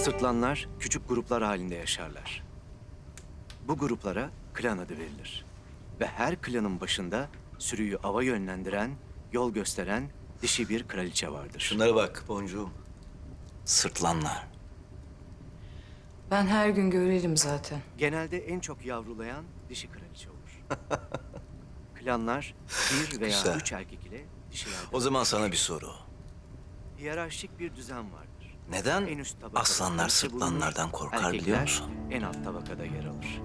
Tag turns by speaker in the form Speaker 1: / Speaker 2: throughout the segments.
Speaker 1: Sırtlanlar küçük gruplar halinde yaşarlar. Bu gruplara klan adı verilir. Ve her klanın başında sürüyü ava yönlendiren, yol gösteren dişi bir kraliçe vardır.
Speaker 2: Şunlara bak boncuğum. Sırtlanlar.
Speaker 3: Ben her gün görelim zaten.
Speaker 1: Genelde en çok yavrulayan dişi kraliçe olur. Klanlar bir veya
Speaker 2: Güzel.
Speaker 1: 3 erkek ile dişilerden
Speaker 2: O zaman
Speaker 1: oluşur.
Speaker 2: sana bir soru.
Speaker 1: Hiyerarşik bir düzen vardır.
Speaker 2: Neden
Speaker 1: En üst tabakada
Speaker 2: aslanlar
Speaker 1: kraliçe bulunur,
Speaker 2: sırtlanlardan korkar
Speaker 1: erkekler
Speaker 2: biliyor musun?
Speaker 1: en alt tabakada yer alır.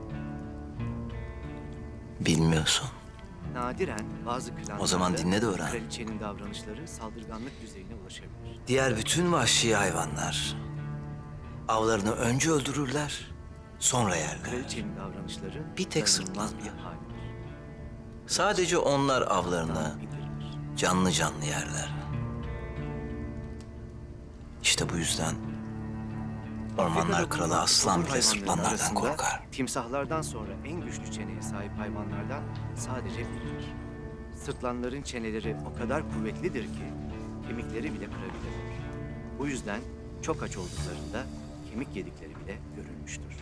Speaker 2: Bilmiyorsun.
Speaker 1: Nadiren bazı klanlarda
Speaker 2: O zaman dinle de öğren.
Speaker 1: kraliçenin davranışları saldırganlık düzeyine ulaşabilir.
Speaker 2: Diğer bütün vahşi hayvanlar avlarını önce öldürürler, sonra yerler.
Speaker 1: Kraliçenin davranışları
Speaker 2: Bir tek
Speaker 1: dayanılmaz
Speaker 2: sırtlan
Speaker 1: bir
Speaker 2: ya.
Speaker 1: haldir.
Speaker 2: Sadece onlar avlarını
Speaker 1: Bitirir.
Speaker 2: canlı canlı yerler. İşte bu yüzden ormanlar
Speaker 1: Afrika'da
Speaker 2: kralı
Speaker 1: bulunan
Speaker 2: aslan
Speaker 1: otobur
Speaker 2: bile
Speaker 1: hayvanların
Speaker 2: sırtlanlardan
Speaker 1: arasında
Speaker 2: korkar.
Speaker 1: Timsahlardan sonra en güçlü çeneye sahip hayvanlardan sadece biridir. Sırtlanların çeneleri o kadar kuvvetlidir ki kemikleri bile kırabilirler. Bu yüzden çok aç olduklarında kemik yedikleri bile görülmüştür.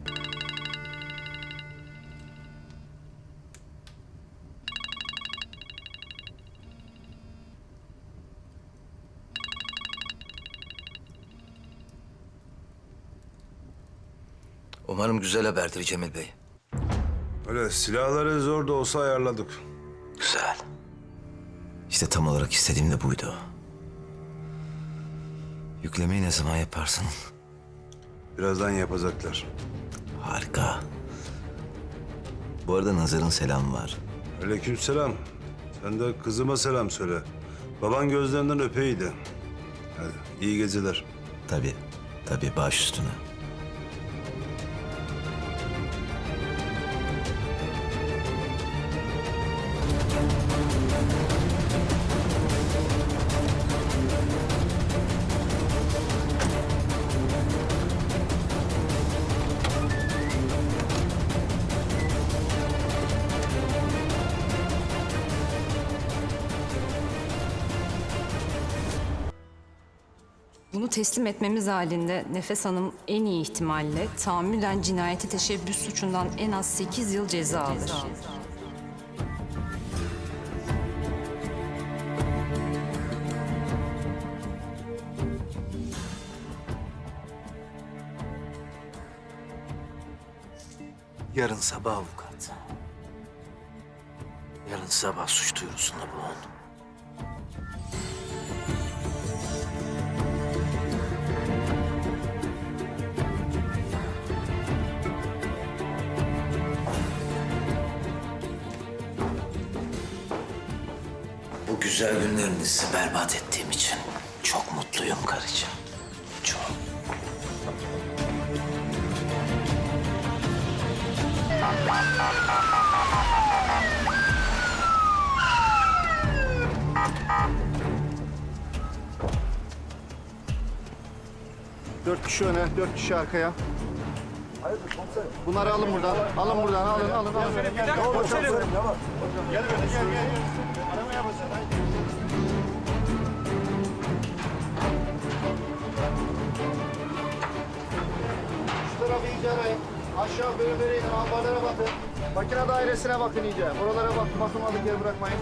Speaker 2: Umarım güzel haberdir Cemil Bey.
Speaker 4: Öyle silahları zor da olsa ayarladık.
Speaker 2: Güzel. İşte tam olarak istediğim de buydu. Yüklemeyi ne zaman yaparsın?
Speaker 4: Birazdan yapacaklar.
Speaker 2: Harika. Bu arada Nazar'ın selamı var.
Speaker 4: Aleykümselam. Sen de kızıma selam söyle. Baban gözlerinden öpeydi. Hadi iyi geceler.
Speaker 2: Tabii, tabii baş üstüne.
Speaker 3: Bunu teslim etmemiz halinde Nefes Hanım en iyi ihtimalle tahammüden cinayete teşebbüs suçundan en az 8 yıl ceza alır.
Speaker 2: Yarın sabah avukat. Yarın sabah suç duyurusunda bulun. Bu güzel günlerinizi berbat ettiğim için çok mutluyum karıcığım. Çok.
Speaker 5: Dört kişi öne, 4 kişi arkaya. Bunları alın buradan. Alın buradan, alın. Gel. Aramaya basın. Şu tarafı iyice arayın. Aşağı bölümlere inin, ambarlara bakın. Makine dairesine bakın iyice. Oralara bakılmadık yer bırakmayın.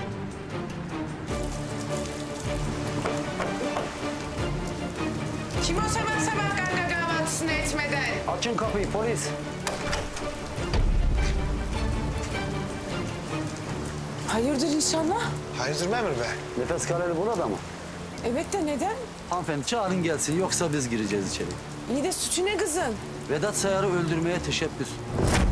Speaker 6: Kim o sabah sabah ganga kahvaltısını etmeden?
Speaker 5: Açın kapıyı polis.
Speaker 6: Hayırdır inşallah?
Speaker 7: Hayırdır memur bey?
Speaker 5: Nefes kararı burada mı?
Speaker 6: Evet de neden?
Speaker 8: Hanımefendi çağırın gelsin yoksa biz gireceğiz içeri.
Speaker 6: İyi de suçu ne kızın?
Speaker 8: Vedat Sayar'ı öldürmeye teşebbüs.